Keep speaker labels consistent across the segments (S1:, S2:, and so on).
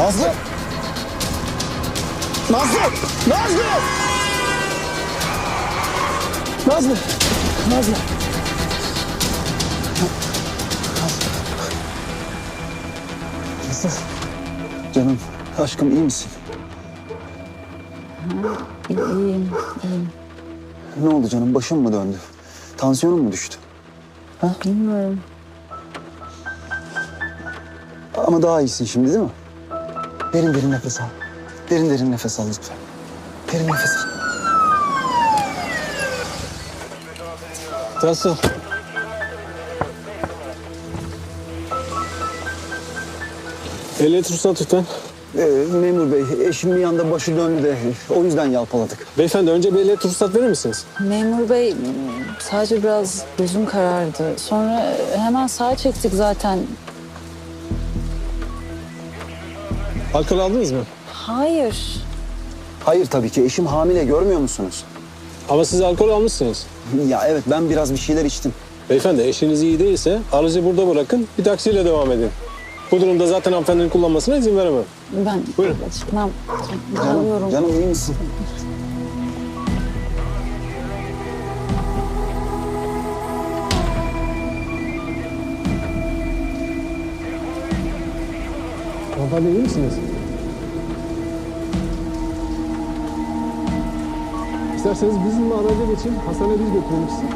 S1: Nazlı! Nazlı! Nazlı! Nazlı! Nazlı! Nazlı! Canım, aşkım iyi misin?
S2: İyiyim.
S1: Ne oldu canım? Başın mı döndü? Tansiyonun mu düştü?
S2: Bilmiyorum.
S1: Ama daha iyisin şimdi değil mi? Derin derin nefes al. Derin derin nefes al lütfen. Derin nefes al.
S3: Nasıl? Ehliyet ruhsat lütfen.
S1: Memur bey, eşim bir anda başı döndü de o yüzden yalpaladık.
S3: Beyefendi önce bir ehliyet ruhsat verir misiniz?
S2: Memur bey sadece biraz gözüm karardı. Sonra hemen sağa çektik zaten.
S3: Alkol aldınız mı?
S2: Hayır.
S1: Hayır tabii ki. Eşim hamile, görmüyor musunuz?
S3: Ama siz alkol almışsınız.
S1: Ya evet, ben biraz bir şeyler içtim.
S3: Beyefendi eşiniz iyi değilse aracı burada bırakın, bir taksiyle devam edin. Bu durumda zaten hanımefendinin kullanmasına izin veremem.
S2: Ben
S3: Buyurun.
S2: çıkmam. Alıyorum.
S1: Canım iyi misin?
S3: Hanımefendi iyi misiniz? İsterseniz bizimle araca geçin, hastaneye biz götürelim sizi.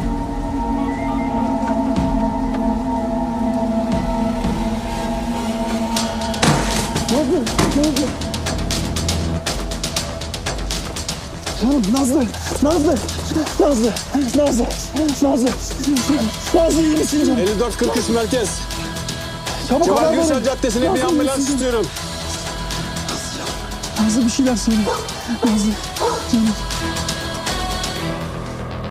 S1: Canım Nazlı, Nazlı, Nazlı, Nazlı, Nazlı, Nazlı iyi misin canım?
S3: 5443 merkez.
S1: Çabuk
S3: Cemal
S1: haber
S3: Gürsel
S1: verin.
S3: Caddesi'ne bir
S1: Nazlı, iyi
S3: ambulans
S1: misin?
S3: istiyorum.
S1: Nazlı bir şeyler söyle. Nazlı, canım.